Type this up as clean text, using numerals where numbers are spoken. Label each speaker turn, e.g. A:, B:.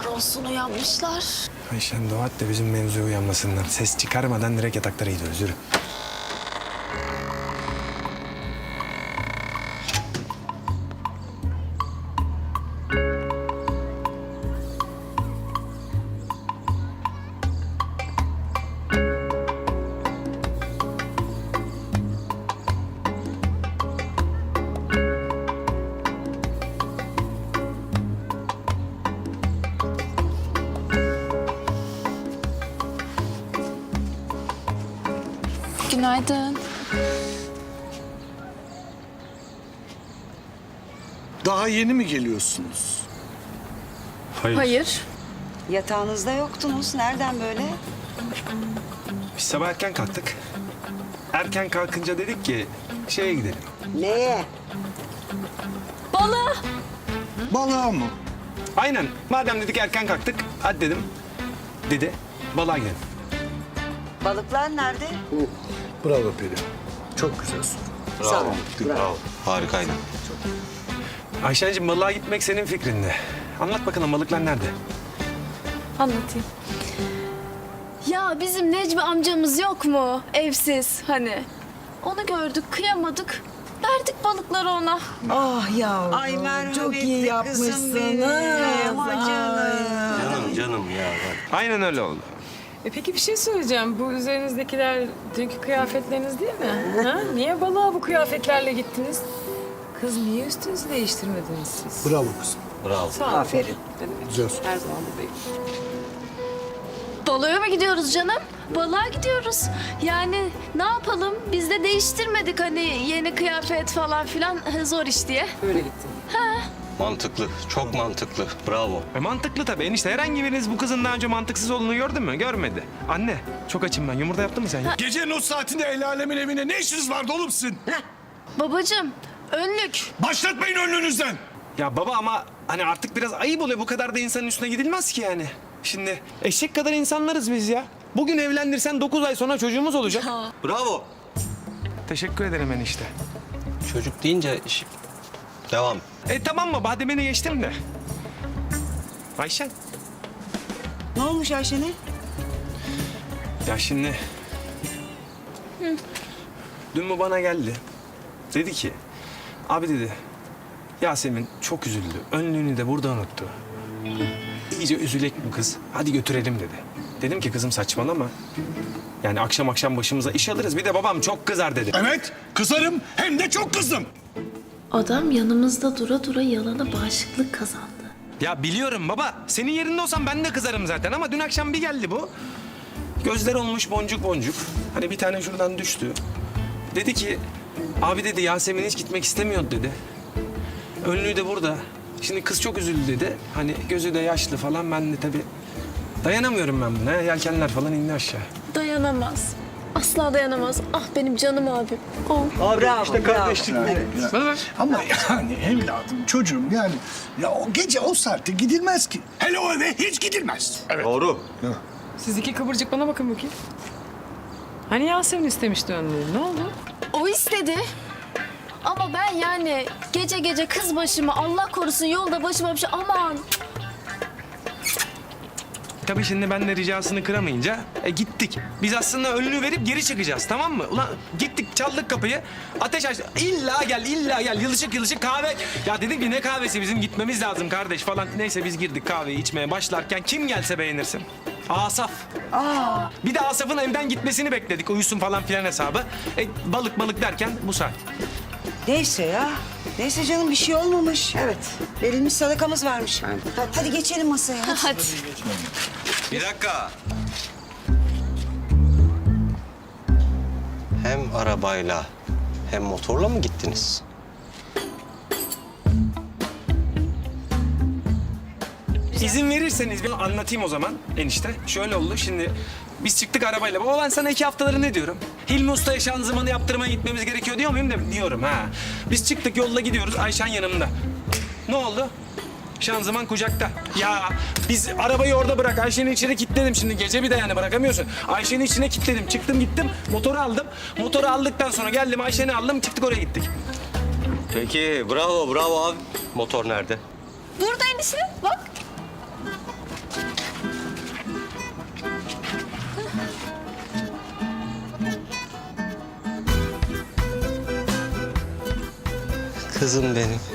A: Yazıklar olsun uyanmışlar.
B: Ayşen dua et de bizim mevzuya uyanmasınlar. Ses çıkarmadan direkt yataklara gidiyoruz. Yürü.
A: Günaydın.
C: Daha yeni mi geliyorsunuz?
A: Hayır.
D: Yatağınızda yoktunuz. Nereden böyle?
B: Biz sabah erken kalktık. Erken kalkınca dedik ki şeye gidelim.
D: Neye?
A: Balığa.
C: Balığa mı?
B: Aynen. Madem dedik erken kalktık. Hadi dedim. Dedi. Balığa gidelim.
D: Balıklar nerede?
C: Bravo Peri. Çok güzel soru.
D: Sağ ol.
E: Bravo. Harikaydı.
B: Ayşen'cim balığa gitmek senin fikrinde. Anlat bakalım balıklar nerede?
A: Anlatayım. Ya bizim Necmi amcamız yok mu? Evsiz hani. Onu gördük, kıyamadık. Verdik balıkları ona.
F: Ah yavrum,
D: Ay merhametli
F: çok iyi
D: kızım
F: yapmışsınız.
D: benim. Ay canım.
E: Canım ya.
B: Aynen öyle oldu.
G: Peki bir şey söyleyeceğim. Bu üzerinizdekiler dünkü kıyafetleriniz değil mi? Ha? Niye balığa bu kıyafetlerle gittiniz? Kız niye üstünüzü değiştirmediniz siz?
C: Bravo kızım.
E: Bravo.
G: Sağ olun.
D: Aferin.
C: Güzel soru.
G: Her zaman buradayım.
A: Balığa mı gidiyoruz canım? Balığa gidiyoruz. Yani ne yapalım? Biz de değiştirmedik hani yeni kıyafet falan filan zor iş diye.
G: Böyle gittim.
E: Mantıklı. Çok mantıklı. Bravo.
B: Mantıklı tabii enişte. Herhangi biriniz bu kızın daha önce mantıksız olduğunu gördü mü? Görmedi. Anne çok açım ben. Yumurta yaptın mı sen ya?
C: Gecenin o saatinde el alemin evine ne işiniz vardı oğlum sizin?
A: Babacığım, önlük.
C: Başlatmayın önlüğünüzden.
B: Ya baba ama hani artık biraz ayıp oluyor. Bu kadar da insanın üstüne gidilmez ki yani. Şimdi eşek kadar insanlarız biz ya. Bugün evlendirsen 9 ay sonra çocuğumuz olacak.
E: Bravo.
B: Teşekkür ederim enişte.
E: Çocuk deyince devam.
B: Tamam mı? Bademeni geçtim de. Ayşen.
D: Ne olmuş Ayşen'e?
B: Ya şimdi... Dün bu bana geldi. Dedi ki... Abi dedi... Yasemin çok üzüldü. Önlüğünü de burada unuttu. İyice üzülek bu kız. Hadi götürelim dedi. Dedim ki kızım saçmalama. Yani akşam akşam başımıza iş alırız. Bir de babam çok kızar dedi.
C: Evet, kızarım hem de çok kızdım.
H: Adam yanımızda dura dura yalana bağışıklık kazandı.
B: Ya biliyorum baba. Senin yerinde olsam ben de kızarım zaten ama dün akşam bir geldi bu. Gözler olmuş boncuk boncuk. Hani bir tane şuradan düştü. Dedi ki abi dedi Yasemin hiç gitmek istemiyordu dedi. Önlüğü de burada. Şimdi kız çok üzüldü dedi. Hani gözü de yaşlı falan ben de tabii dayanamıyorum ben buna. Yelkenler falan indi aşağı.
A: Dayanamaz. Asla dayanamaz. Ah benim canım abim. Oh.
D: Bravo, işte kardeşlik.
C: Evet. Ama yani evladım, çocuğum yani... Ya o gece o saatte gidilmez ki. Hele o eve hiç gidilmez. Evet.
E: Doğru.
G: Siz iki kıvırcık bana bakın bakayım. Hani Yasemin istemişti önlüğü. Ne oldu?
A: O istedi. Ama ben yani gece gece kız başıma Allah korusun yolda başıma bir şey aman.
B: Tabii şimdi ben de ricasını kıramayınca gittik. Biz aslında önlüğü verip geri çıkacağız tamam mı? Ulan gittik çaldık kapıyı. Ateş açtı. İlla gel illa gel. Yılışık yılışık kahve. Ya dedim ki ne kahvesi bizim gitmemiz lazım kardeş falan. Neyse biz girdik kahveyi içmeye başlarken kim gelse beğenirsin. Asaf. Bir de Asaf'ın evden gitmesini bekledik. Uyusun falan filan hesabı. Balık balık derken bu saat.
D: Neyse ya. Neyse canım bir şey olmamış. Evet. Verilmiş sadakamız varmış. Hadi geçelim masaya.
A: Hadi.
E: Bir dakika. Hem arabayla hem motorla mı gittiniz?
B: İzin verirseniz bir anlatayım o zaman enişte. Şöyle oldu şimdi biz çıktık arabayla. Baba ben sana 2 haftaları ne diyorum? Hilmi Usta'ya şanzımanı yaptırmaya gitmemiz gerekiyor diyor muyum? Diyorum ha. Biz çıktık yolda gidiyoruz Ayşen yanımda. Ne oldu? Şanzıman kucakta. Ya biz arabayı orada bırak. Ayşe'nin içine kilitledim şimdi. Gece bir de yani bırakamıyorsun. Ayşe'nin içine kilitledim. Çıktım gittim. Motoru aldım. Motoru aldıktan sonra geldim Ayşe'ni aldım. Çıktık oraya gittik.
E: Peki bravo bravo abi. Motor nerede?
A: Burada enişte bak.
E: Kızım benim.